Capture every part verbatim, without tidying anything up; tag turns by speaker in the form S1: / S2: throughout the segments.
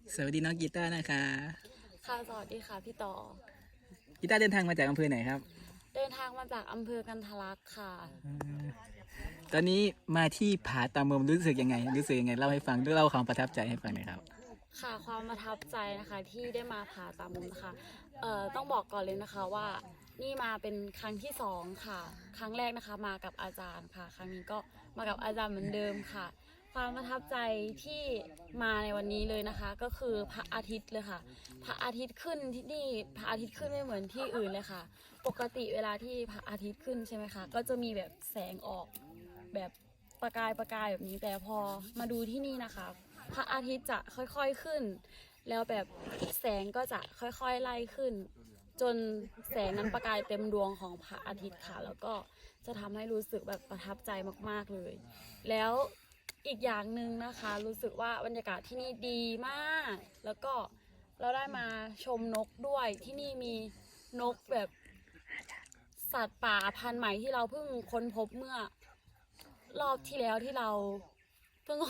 S1: สวัสดีน้องกีตาร์นะคะ
S2: ค่ะสวัสดีค่ะพี่ต่อ
S1: กีตาร์เดินทางมาจากอำเภอไหนครับ
S2: เดินทางมาจากอำเภอกันทะลักค่ะ
S1: ตอนนี้มาที่ผาตามมุมรู้สึกยังไง รู้สึกยังไงเล่าให้ฟังด้วยเล่าความประทับใจให้ฟังหน่อยครับ
S2: ค่ะความประทับใจนะคะที่ได้มาผาตามมุมนะคะเอ่อต้องบอกก่อนเลยนะคะว่านี่มาเป็นครั้งที่สองค่ะ ครั้งแรกนะคะมากับอาจารย์ค่ะ ครั้งนี้ก็มากับอาจารย์เหมือนเดิมค่ะ ความประทับใจที่มาในวันนี้เลยนะคะ ก็คือพระอาทิตย์เลยค่ะ พระอาทิตย์ขึ้นที่นี่พระอาทิตย์ขึ้นไม่เหมือนที่อื่นเลยค่ะ ปกติเวลาที่พระอาทิตย์ขึ้นใช่ไหมคะก็จะมีแบบแสงออกแบบประกายประกายแบบนี้แต่พอมาดูที่นี่นะคะ พระอาทิตย์จะค่อยๆขึ้น แล้วแบบแสงก็จะค่อยๆไล่ขึ้น จนแสงนั้นประกายเต็มดวงของพระอาทิตย์ค่ะ แล้วก็จะทำให้รู้สึกแบบประทับใจมากๆเลย แล้วอีกอย่างหนึ่งนะคะ รู้สึกว่าบรรยากาศที่นี่ดีมาก แล้วก็เราได้มาชมนกด้วยที่นี่มีนกแบบสัตว์ป่าพันธุ์ใหม่ที่เราเพิ่งค้นพบเมื่อรอบที่แล้วที่เราเพิ่ง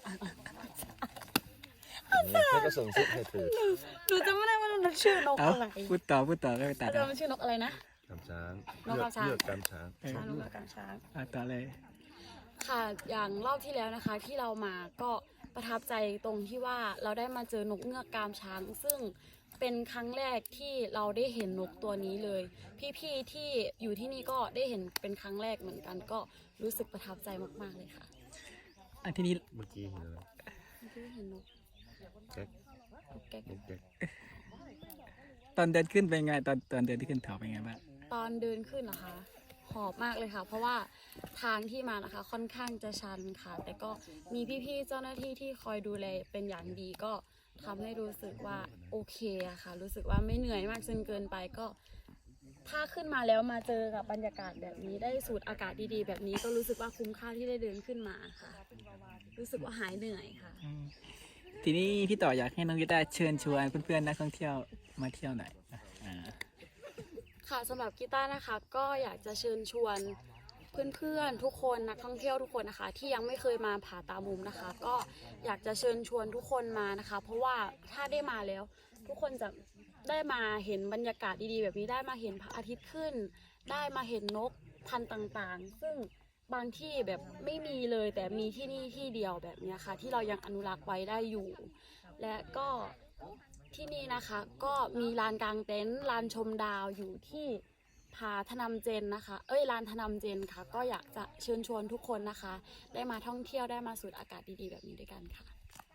S3: แล้วก็ส่งซิปให้เธอ
S2: หนูจำไม่ได้ว่ามันชื่อนก
S1: เอา
S2: อะไร
S1: พูดต่อพูดต่อก็ไปตัด
S2: อาจาร
S1: เอา
S2: ย์มันชื่อนกอะไรนะ
S3: กำช้าง
S2: นกกำช้าง
S3: เลือกกำช้าง
S2: ช้างนกกระกางช้าง
S1: เอาต่อเลย
S2: ค่ะ อย่างรอบที่แล้วนะคะที่เรามาก็ประทับใจตรงที่ว่าเราได้มาเจอนกเงือกกามช้าง ซึ่งเป็นครั้งแรกที่เราได้เห็นนกตัวนี้เลย พี่ๆที่อยู่ที่นี่ก็ได้เห็นเป็นครั้งแรกเหมือนกัน ก็รู้สึกประทับใจมากๆเลยค่ะ
S1: อันที่นี้
S3: เมื่อกี้เห็นแล้ว
S2: ที่เห็นนก
S3: แก๊ก
S2: นกแก๊ก
S3: นกแก๊ก
S1: ตอนเดินขึ้นเป็นไงตอนตอนเดินที่ขึ้นเขาเป็นไงบ้าง
S2: ตอนเดินขึ้นนะคะหอบมากเลยค่ะ เพราะว่าทางที่มานะคะค่อนข้างจะชันค่ะ แต่ก็มีพี่ๆเจ้าหน้าที่ที่คอยดูแลเป็นอย่างดีก็ทำให้รู้สึกว่าโอเคอะค่ะ รู้สึกว่าไม่เหนื่อยมากจนเกินไปก็ ถ้าขึ้นมาแล้วมาเจอกับบรรยากาศแบบนี้ได้สูดอากาศดีๆ แบบนี้ก็รู้สึกว่าคุ้มค่าที่ได้เดินขึ้นมาค่ะ รู้สึกว่าหายเหนื่อยค่ะ
S1: ทีนี้พี่ต่ออยากให้น้องกีตาร์เชิญชวนเพื่อนๆนักท่องเที่ยวมาเที่ยวหน่อยอ่า
S2: ค่ะสำหรับกีตาร์นะคะก็อยากจะเชิญชวนเพื่อนๆทุกคนนักท่องเที่ยวทุกคนนะคะ ที่ยังไม่เคยมาผาตามุมนะคะ ก็อยากจะเชิญชวนทุกคนมานะคะ เพราะว่าถ้าได้มาแล้ว ทุกคนจะได้มาเห็นบรรยากาศดีๆแบบนี้ได้มาเห็นพระอาทิตย์ขึ้น ได้มาเห็นนกพันธุ์ต่างๆ ซึ่งบางที่แบบไม่มีเลยแต่มีที่นี่ที่เดียวแบบนี้ค่ะ ที่เรายังอนุรักษ์ไว้ได้อยู่ และก็ที่นี่นะคะก็มีลานกลางเต็นท์ลานชมดาวอยู่ที่ผาธนำเจนนะคะ เอ้ยลานธนำเจนค่ะ ก็อยากจะเชิญชวนทุกคนนะคะ ได้มาท่องเที่ยวได้มาสูดอากาศดีๆแบบนี้ด้วยกันค่ะ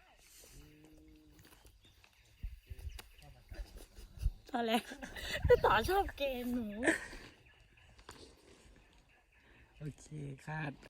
S2: ตอนแรกต่อชอบเกณฑ์หนู
S1: โอเคค่ะ